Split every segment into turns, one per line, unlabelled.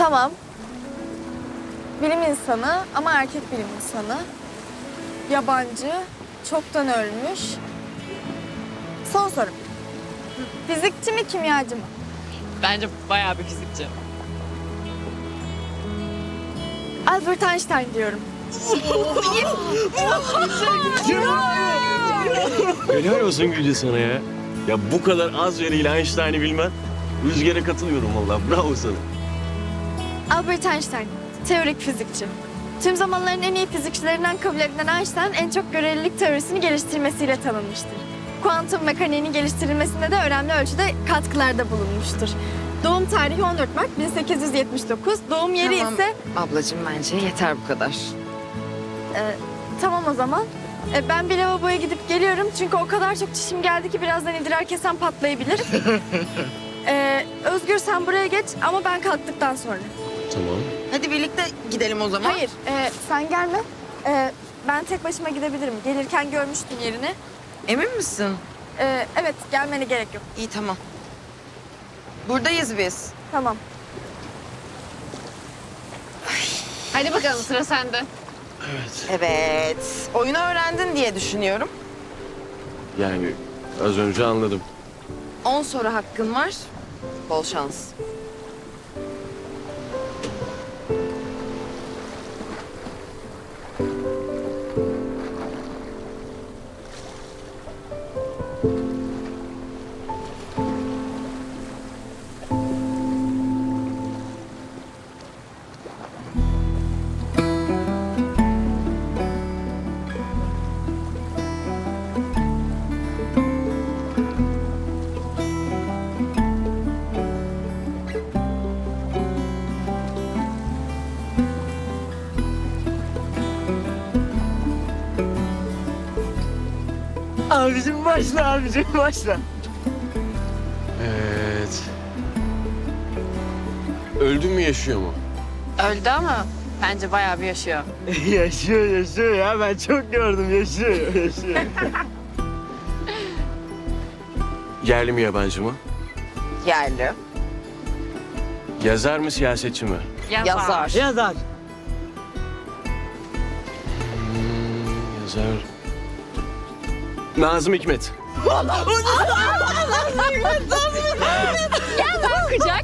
Tamam. Bilim insanı ama erkek bilim insanı. Yabancı, çoktan ölmüş. Son soru. Fizikçi mi, kimyacı mı?
Bence bayağı bir fizikçi.
Albert Einstein diyorum.
Helal olsun Gülce sana ya. Ya bu kadar az veriyle Einstein'ı bilmen. Rüzgar'a katılıyorum vallahi. Bravo sana.
Albert Einstein, teorik fizikçi. Tüm zamanların en iyi fizikçilerinden kabul edilen Einstein, en çok görelilik teorisini geliştirmesiyle tanınmıştır. Kuantum mekaniğinin geliştirilmesinde de önemli ölçüde katkılarda bulunmuştur. Doğum tarihi 14 Mart 1879, doğum yeri
Tamam.
ise...
Ablacığım bence yeter bu kadar.
Tamam o zaman. Ben bir lavaboya gidip geliyorum çünkü o kadar çok çişim geldi ki birazdan idrar kesem patlayabilir. Özgür sen buraya geç ama ben kalktıktan sonra.
Tamam.
Hadi birlikte gidelim o zaman.
Hayır, sen gelme. Ben tek başıma gidebilirim. Gelirken görmüştüm yerini.
Emin misin?
Evet, gelmene gerek yok.
İyi tamam. Buradayız biz.
Tamam.
Hadi bakalım sıra sende.
Evet. Oyunu öğrendin diye düşünüyorum.
Yani az önce anladım.
10 soru hakkın var. Bol şans.
Abicim başla, abicim başla.
Evet. Öldü mü yaşıyor mu?
Öldü ama bence bayağı bir yaşıyor.
yaşıyor ya. Ben çok gördüm. Yaşıyor.
Yerli mi yabancı mı?
Yerli.
Yazar mı siyasetçi mi?
Yazar.
Yazar.
Yazar. Nazım Hikmet.
Bakacak.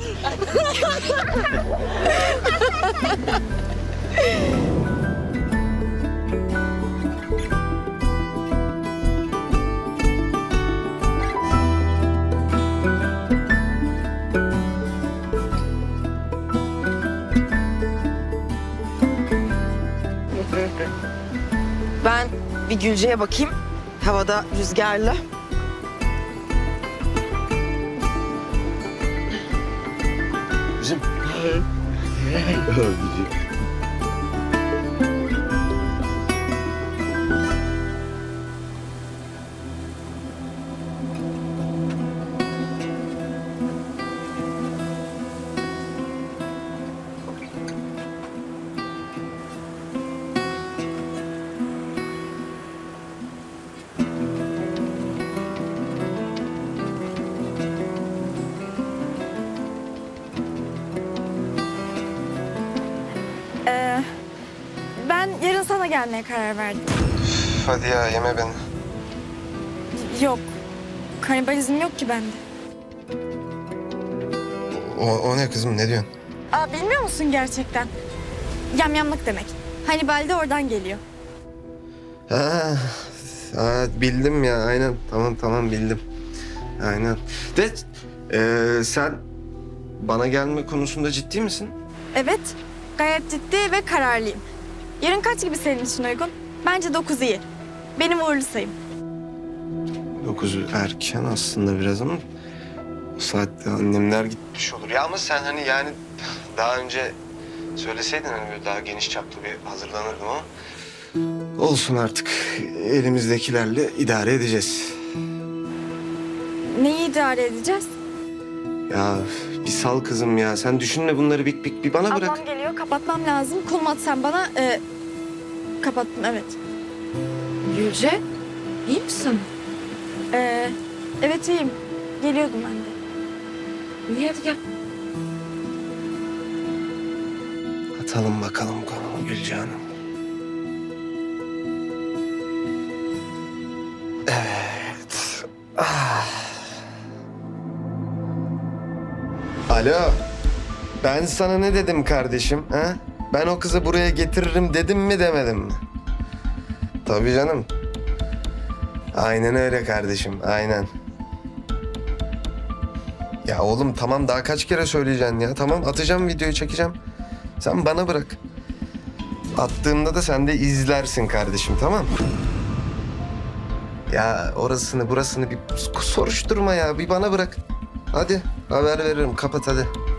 Ben bir Gülce'ye bakayım. Havada rüzgarlı.
Bizim. Abicim.
Ben yarın sana gelmeye karar verdim.
Hadi ya yeme beni.
Yok, kanibalizm yok ki bende.
O ne kızım ne diyorsun?
Bilmiyor musun gerçekten? Yamyamlık demek. Hannibal de oradan geliyor.
Bildim ya aynen tamam bildim. Aynen. De sen bana gelme konusunda ciddi misin?
Evet, gayet ciddi ve kararlıyım. Yarın kaç gibi senin için uygun? Bence 9 iyi. Benim uğurlu sayım.
9 erken aslında biraz ama o saatte annemler gitmiş olur. Ya ama sen hani yani daha önce söyleseydin hani böyle daha geniş çaplı bir hazırlanırdım ama olsun artık elimizdekilerle idare edeceğiz.
Neyi idare edeceğiz?
Ya bir sal kızım ya. Sen düşünme bunları bir bana bırak.
Ablam geliyor, kapatmam lazım. Konum at sen bana. Kapattım, evet.
Gülce, iyi misin?
Evet iyiyim. Geliyordum ben de.
İyi hadi gel.
Atalım bakalım konumu Gülce Hanım. Evet. Alo. Ben sana ne dedim kardeşim? Ha? Ben o kızı buraya getiririm dedim mi demedim mi? Tabii canım. Aynen öyle kardeşim, aynen. Ya oğlum tamam daha kaç kere söyleyeceksin ya? Tamam atacağım videoyu çekeceğim. Sen bana bırak. Attığımda da sen de izlersin kardeşim tamam mı? Ya orasını burasını bir soruşturma ya. Bir bana bırak. Hadi haber veririm. Kapat hadi.